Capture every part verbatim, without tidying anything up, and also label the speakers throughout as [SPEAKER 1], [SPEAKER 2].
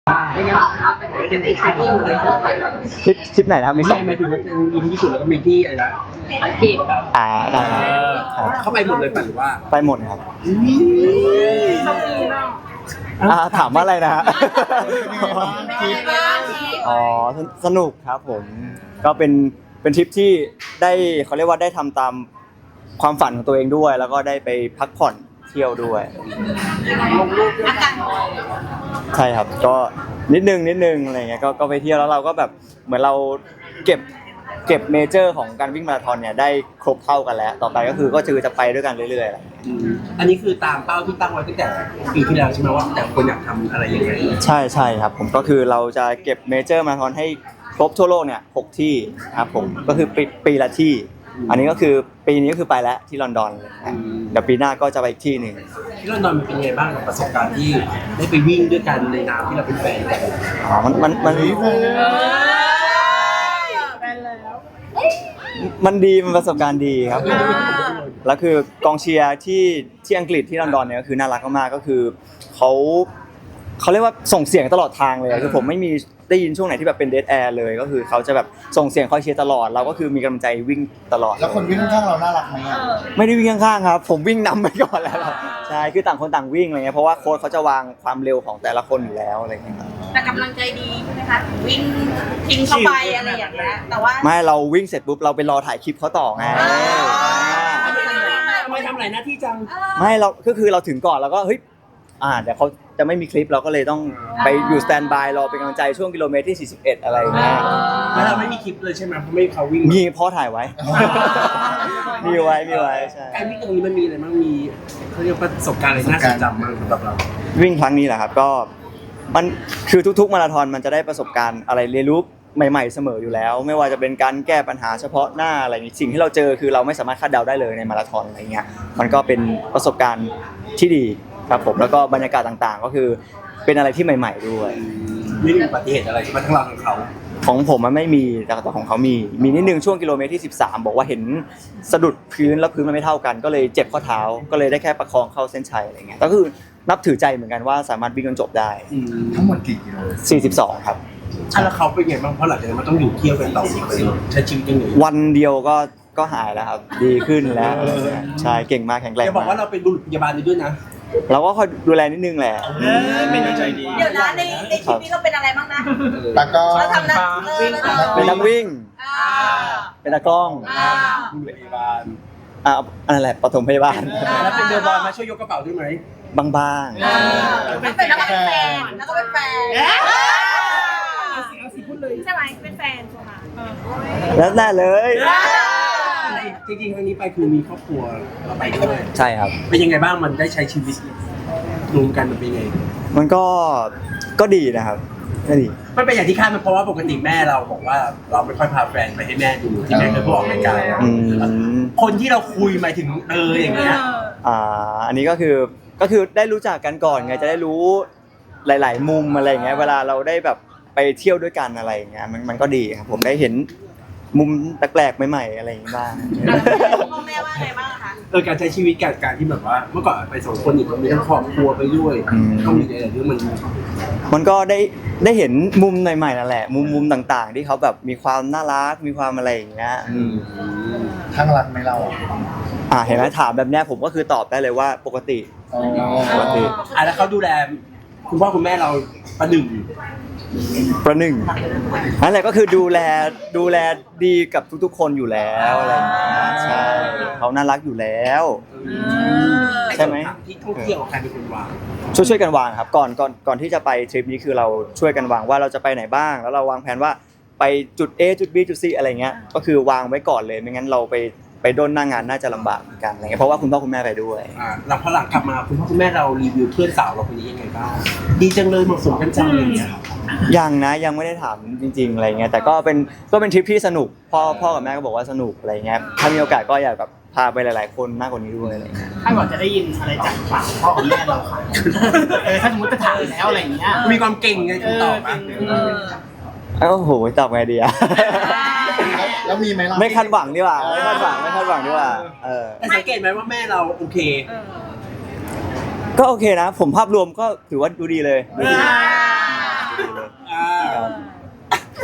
[SPEAKER 1] ไม่งั้นเป็นอีกที่อยู่เลย
[SPEAKER 2] ทริปทริปไหนนะครับมีส
[SPEAKER 1] ไม่
[SPEAKER 2] อง
[SPEAKER 1] ไม่ถึงว่ามีที่ญี่ปุ่นแล้วก็มีที่อะไรนะอังกฤษ
[SPEAKER 2] อ่าได้ครับ
[SPEAKER 1] เข้าไปหมดเลยป่ะหรือว่า
[SPEAKER 2] ไปหมดครับอ่าถามว่าอะไรนะฮะอ๋อสนุกครับผมก็เป็นเป็นทริปที่ได้เขาเรียกว่าได้ทำตามความฝันของตัวเองด้วย แล้วก็ได้ไปพักผ่อนเที่ยวด้วยใช่ครับก็นิดนึงนิดนึงอะไรเงี้ยก็ก็ไปเที่ยวแล้วเราก็แบบเหมือนเราเก็บเก็บเมเจอร์ของการวิ่งมาราธอนเนี่ยได้ครบเท่ากันแล้วต่อไปก็คือก็คือจะไปด้วยกันเรื่อยๆ
[SPEAKER 1] อันนี้คือตามเป้าที่ตั้งไว้ตั้งแต่ปีที่แล้วใช่ไหมว่าแต่คนอยากทำอะไรยังไง
[SPEAKER 2] ใช่ใช่ครับผมก็คือเราจะเก็บเมเจอร์มาราธอนให้ครบทั่วโลกเนี่ยหกที่ครับผมก็คือปีปีละที่อันนี้ก็คือปีนี้ก็คือไปแล้วที่ลอนดอนเดี๋ยวปีหน้าก็จะไปอีกที่หนึ่ง
[SPEAKER 1] ที่ลอนดอนมันเป็นไงบ้างกับประสบการณ์ที่ได้ไปวิ่งด้วยกันในนามที่เราเป็นแฟนกัน
[SPEAKER 2] อ๋อมันมันมันมันดีมันประสบการณ์ดีครับแล้วคือกองเชียร์ที่ที่อังกฤษที่ลอนดอนเนี่ยก็คือน่ารักมากๆก็คือเขาเขาเรียกว่าส่งเสียงตลอดทางเลยคือผมไม่มีได้ยินช่วงไหนที่แบบเป็นเดดแอร์เลยก็คือเขาจะแบบส่งเสียงคอยเชียร์ตลอดเราก็คือมีกำลังใจวิ่งตลอด
[SPEAKER 3] แล้วคนวิ่งข้างๆเราน่ารักไหม
[SPEAKER 2] ไม่ได้วิ่งข้างๆครับผมวิ่งนำไปก่อนแล้วใช่คือต่างคนต่างวิ่งอะไรเงี้ยเพราะว่าโค้ชเขาจะวางความเร็วของแต่ละคนอยู่แล้วอะไรเงี้ยครับ
[SPEAKER 4] แต่กำลังใจดีใช่ไหมคะวิ่งทิ้งเข้าไปอะไรอย่างเงี้ยแต่ว่า
[SPEAKER 2] ไม่เราวิ่งเสร็จปุ๊บเราไปรอถ่ายคลิปเขาต่อไง
[SPEAKER 1] ทำไมทำหลายหน้าที่จัง
[SPEAKER 2] ไม่เราก็คือเราถึงก่อนแล้วก็เฮ้ยอ่าเดี๋ยวเขาจะไม่มีคลิปเราก็เลยต้องไปอยู่สแตนบายรอเป็นกำลังใจช่วงกิโลเมตรที่สี่สิบเอ็ดอะไรอย่างเงี้ย
[SPEAKER 1] แล้วเราไม่มีคลิปเลยใช่ไหมเพราะไม่เขาวิ่ง
[SPEAKER 2] มีพ่อถ่ายไว้มีไว้มีไว้ใช่
[SPEAKER 1] การวิ่งตรงนี้มันมีอะไรบ้างมีเขาเรียกประสบการณ์อะไรน่าจดจำบ้างสำหรับเรา
[SPEAKER 2] วิ่งครั้งนี้แหละครับก็มันคือทุกๆมาราธอนมันจะได้ประสบการณ์อะไรเรียนรู้ใหม่ๆเสมออยู่แล้วไม่ว่าจะเป็นการแก้ปัญหาเฉพาะหน้าอะไรสิ่งที่เราเจอคือเราไม่สามารถคาดเดาได้เลยในมาราธอนอะไรเงี้ยมันก็เป็นประสบการณ์ที่ดีครับผมแล้วก็บรรยากาศต่างๆก็คือเป็นอะไรที่ใหม่ๆด้วย
[SPEAKER 1] ไม่มีอุบัติเหตุอะไรใช่ไหมทั้งเราทั้งเขา
[SPEAKER 2] ของผมมันไม่มีแต่ของเขามีมีนิดนึงช่วงกิโลเมตรที่สิบสามบอกว่าเห็นสะดุดพื้นแล้วพื้นมันไม่เท่ากันก็เลยเจ็บข้อเท้าก็เลยได้แค่ประคองเข้าเส้นชัยอะไรเงี้ยก็คือนับถือใจเหมือนกันว่าสามารถวิ่งจนจบได้
[SPEAKER 3] ทั้งหมดกี่กิโล
[SPEAKER 2] สี่สิบสองครับ
[SPEAKER 1] แล้วเขาเป็นไงบ้างเพราะหลังจากนั้นมันต้องอยู่เที่ยวกันต่ออีกเลยใช้ชีวิตยังไง
[SPEAKER 2] วันเดียวก็ก็หายแล้วครับดีขึ้นแล้วใช่เก่งมากแข็งแรง
[SPEAKER 1] จะบอกว่าเราเป็นบุรุษพยาบาลด้วยนะ
[SPEAKER 2] เราก็คอยดูแลนิดนึงแหละ
[SPEAKER 1] เป็นใจดี
[SPEAKER 4] เดี๋ยวนะในในคลิปนี้เราเป็นอะไรบ้างนะ
[SPEAKER 3] ตากล้อง
[SPEAKER 4] เราทำนักวิ่ง
[SPEAKER 2] เป็นนักวิ่งเป็นนักกล้อง
[SPEAKER 1] บุรุษพยาบาล
[SPEAKER 2] อ่าอะไรแหละปฐมพยาบาล
[SPEAKER 1] แล้วเป็นเรือบอลมาช่วยยกกระเป๋าด้วยไหม
[SPEAKER 2] บางๆ
[SPEAKER 4] แล้วก็เป็นแฟนแล้วก็เป็นแฟน
[SPEAKER 1] เอาสิพูดเลย
[SPEAKER 4] ใช่ไหมเป็นแฟนใช่ไหม
[SPEAKER 2] แล้วแน่เลย
[SPEAKER 1] จริงๆครั้งนี้ไปคือมีครอบครัวเราไปด้วย
[SPEAKER 2] ใช่ครับ
[SPEAKER 1] เป็นยังไงบ้างมันได้ใช้ชีวิตรวมกันมันเป็นยังไง
[SPEAKER 2] มันก็ก็ดีนะครับก็ดี
[SPEAKER 1] มันเป็นอย่างที่คาดมันเพราะว่าปกติแม่เราบอกว่าเราไม่ค่อยพาแฟนไปให้แม่ดูที่แม่เคยบอกรายการคนที่เราคุยหมายถึงเอออย่างเงี้ย
[SPEAKER 2] อ่าอันนี้ก็คือก็คือได้รู้จักกันก่อนไงจะได้รู้หลายๆมุมอะไรอย่างเงี้ยเวลาเราได้แบบไปเที่ยวด้วยกันอะไรอย่างเงี้ยมันมันก็ดีครับผมได้เห็นมุมแปลกๆใหม่ๆอะไรอย่างงี้บ้าง
[SPEAKER 4] พ่อแม่ว่าไงบ้างคะ
[SPEAKER 1] เออการใช้ชีวิตการการที่แบบว่าเมื่อก่อนไปสองคนอีกมันมีทั้งครอบครัวไปด้วยต้องมีอะไรที่มัน
[SPEAKER 2] มันก็ได้ได้เห็นมุมใหม่ๆนั่นแหละมุมมุมต่างๆที่เขาแบบมีความน่ารักมีความอะไรอย่างเงี้ย
[SPEAKER 3] ทั้งรักไหมเรา
[SPEAKER 2] อ่าเห็นไหมถามแบบเนี้ยผมก็คือตอบได้เลยว่าปกติ
[SPEAKER 1] ปกติอ่ะแล้วเขาดูแลคุณพ่อคุณแม่เราประหนึ่ง
[SPEAKER 2] ประหนึ่งนั่นแหละก็คือดูแลดูแลดีกับทุกๆคนอยู่แล้วอะไรอย่างเงี้ยใช่เขาน่ารักอยู่แล้วใช่ไหม
[SPEAKER 1] ที่ท่องเที่ยวใครเป็นคนวาง
[SPEAKER 2] ช่วยช่วยกันวางครับก่อนก่อนก่อนที่จะไปทริปนี้คือเราช่วยกันวางว่าเราจะไปไหนบ้างแล้วเราวางแผนว่าไปจุด A จุด B จุด C อะไรเงี้ยก็คือวางไว้ก่อนเลยไม่งั้นเราไปไปโดนหน้างานน่าจะลำบากเหมือนกันอะไรเงี้ยเพราะว่าคุณพ่อคุณแม่ไปด้วย
[SPEAKER 1] อ่าหลังพอหลังกลับมาคุณพ่อคุณแม่เรารีวิวเพื่อนสาวเราคนนี้ยังไงบ้างดีจังเลยเหมาะสมกันจังอะไรเงี้ย
[SPEAKER 2] ยังนะยังไม่ได้ถามจริงๆอะไรเงี้ยแต่ก็เป็นก็เป็นทริปที่สนุกพ่อพ่อกับแม่ก็บอกว่าสนุกอะไรเงี้ยถ้ามีโอกาสก็อยากแบบพาไปหลายๆคนมากกว่านี้ด้วยอะไรเงี้ย
[SPEAKER 5] ถ้าก่อนจะได้ยินอะไรจากปากพ่อกับแม่เราค่ะเออถ้าสมมติจะถามแล้วอะไรเงี้ย
[SPEAKER 1] มีความเก่งไงคุณตอบมั้ย
[SPEAKER 2] โอ้โหตอบไงดีอะ
[SPEAKER 3] แล้วมีไหมล่ะ
[SPEAKER 2] ไม่คาดหวังดีกว่าไม่คาดหวังไม่คาดหวังดีกว่าเออ
[SPEAKER 1] แต่สังเกตไหมว่าแม่เราโอเค
[SPEAKER 2] ก็โอเคนะผมภาพรวมก็ถือว่าดูดีเลย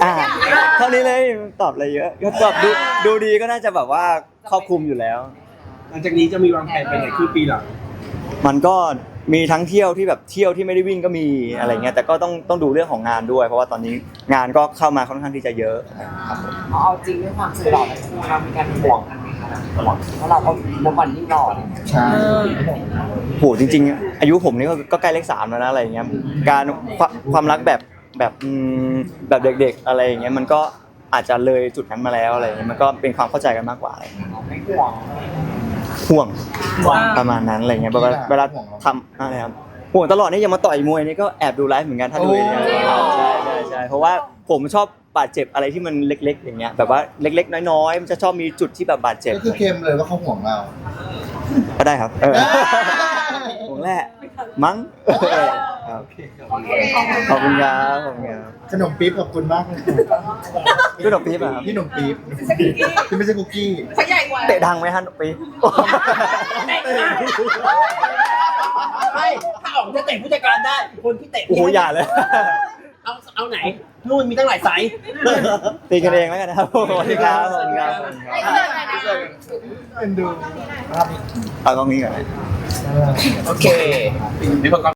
[SPEAKER 2] อ่าเท่านี้เลยตอบอะไรเยอะก็ตอบดูดูดีก็น่าจะแบบว่าครอบคลุมอยู่แล้ว
[SPEAKER 1] หลังจากนี้จะมีวางแผนไปไหนครึ่งปีหลัง
[SPEAKER 2] มันก็มีทั้งเที่ยวที่แบบเที่ยวที่ไม่ได้วิ่งก็มีอะไรเงี้ยแต่ก็ต้องต้องดูเรื่องของงานด้วย เพราะว่าตอนนี้งานก็เข้ามาค่อนข้างที่จะเยอะครับผม
[SPEAKER 6] เอาจริงด้วยความสวยหล่อทั้งคู่เรามีการห่วงกันไหมคะเพราะเราก็นับวันยิ่งหล่อเลย
[SPEAKER 3] ใช่
[SPEAKER 2] โหจริงๆ อายุผมนี่ก็ก็ใกล้เลขสามแล้วนะอะไรเงี้ยการความความรักแบบแบบอืมแบบเด็กๆอะไรอย่างเงี้ยมันก็อาจจะเลยจุดนั้นมาแล้วอะไรเงี้ยมันก็เป็นความเข้าใจกันมากกว่าอะไรเงี้ย
[SPEAKER 6] ไม่ห่วง
[SPEAKER 2] ห่วงประมาณนั้นอะไรเงี้ยเวลาเวลาทำอะไรครับห่วงตลอดนี่ยังมาต่อยมวยนี่ก็แอบดูไลฟ์เหมือนกันถ้าดูเนี่ยใช่ใช่ใช่เพราะว่าผมชอบบาดเจ็บอะไรที่มันเล็ก ๆ อย่างเงี้ยแบบว่าเล็กๆน้อยๆมันจะชอบมีจุดที่แบบบาดเจ็บ
[SPEAKER 3] ก็คือเคลมเลยว่าเขาห่วงเรา
[SPEAKER 2] ก็ได้ครับเออห่วงแหละมั้งครับขอบคุณครับขอบคุณครับ
[SPEAKER 3] ขนมปี๊บขอบคุณมากเลย
[SPEAKER 2] พี่ดอกปี๊บอะครับ
[SPEAKER 3] พี่ขนมปี๊บที่ไม่ใช่คุกกี้
[SPEAKER 4] เขาใหญ่กว่า
[SPEAKER 2] เตะดังไหมฮะดอกปี๊บ
[SPEAKER 1] ไม่ถ้าออกจะเตะผู้จัดการได้ คนที่เตะ
[SPEAKER 2] โอ้โหอย่าเลย
[SPEAKER 1] เอาเอาไหนนู่นมีตั้งหลายไซส์
[SPEAKER 2] ตีกันเองแล้วกันนะครับสวัสดีครับสวัสดีครับ
[SPEAKER 4] ไอ้เพื่อนอะไรนะ
[SPEAKER 3] เอ็นดู
[SPEAKER 2] เอาตรงนี้ก่อนนะ
[SPEAKER 1] โอเคมีประกอบ